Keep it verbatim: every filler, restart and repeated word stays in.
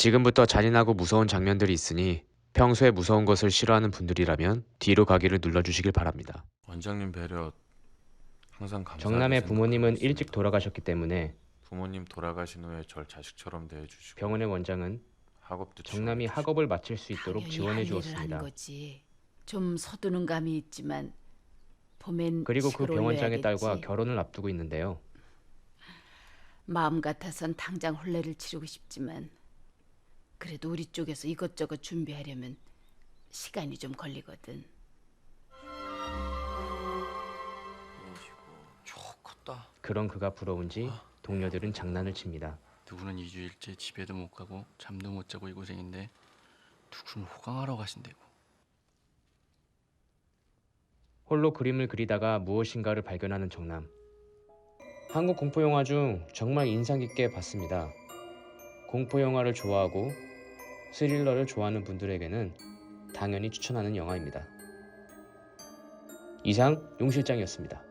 지금부터 잔인하고 무서운 장면들이 있으니 평소에 무서운 것을 싫어하는 분들이라면 뒤로 가기를 눌러주시길 바랍니다. 원장님 배려 항상 감사하게 정남의 생각하고 부모님은 있습니다. 일찍 돌아가셨기 때문에 부모님 돌아가신 후에 절 자식처럼 대해주시고 병원의 원장은 학업도 정남이 지원해주시고 학업을 마칠 수 있도록 당연히 지원해 할 일을 주었습니다. 한 거지. 좀 서두는 감이 있지만 봄엔 그리고 그 식을 병원장의 올려야겠지. 딸과 결혼을 앞두고 있는데요. 마음 같아선 당장 혼례를 치르고 싶지만 그래도 우리 쪽에서 이것저것 준비하려면 시간이 좀 걸리거든. 좋겠다. 그런 그가 부러운지 동료들은 장난을 칩니다. 누구는 이 주일째 집에도 못 가고 잠도 못 자고 이 고생인데 누구는 호강하러 가신대고. 홀로 그림을 그리다가 무엇인가를 발견하는 정남. 한국 공포영화 중 정말 인상 깊게 봤습니다. 공포영화를 좋아하고 스릴러를 좋아하는 분들에게는 당연히 추천하는 영화입니다. 이상 용 실장이었습니다.